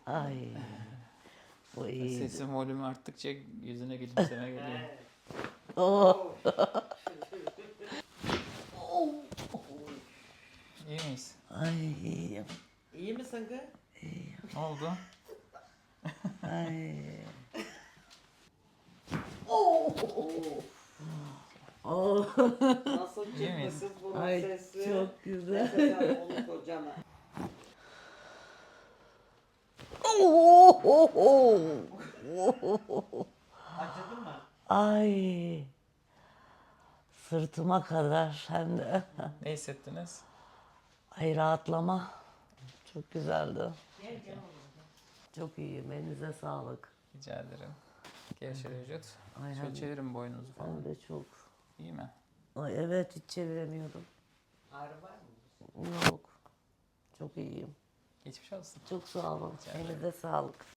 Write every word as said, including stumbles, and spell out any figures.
Ay. Bu iyiydi. Sesin volümü arttıkça yüzüne gülümseme geliyor. Oh. İyi miyiz? Ay iyiyim. İyi misin kız? Ne oldu? Ay. Oh. Nasıl İyi miyiz? çıktı kız bunun Ay sesi? çok güzel. Sen onu kocana. Acıdı mı? Ay. Sırtıma kadar hem de. Ne hissettiniz? Ay rahatlama. Çok güzeldi. Çok iyiyim. Elinize sağlık. Rica ederim. Gevşer vücut. Ay, Şöyle hem- çevirin boynunuzu Hem falan. de çok. İyi mi? Ay evet hiç çeviremiyorum. Ağrı var mı? Yok. Çok iyiyim. Geçmiş olsun. Çok sağ olun. Rica ederim. Elinize sağlık.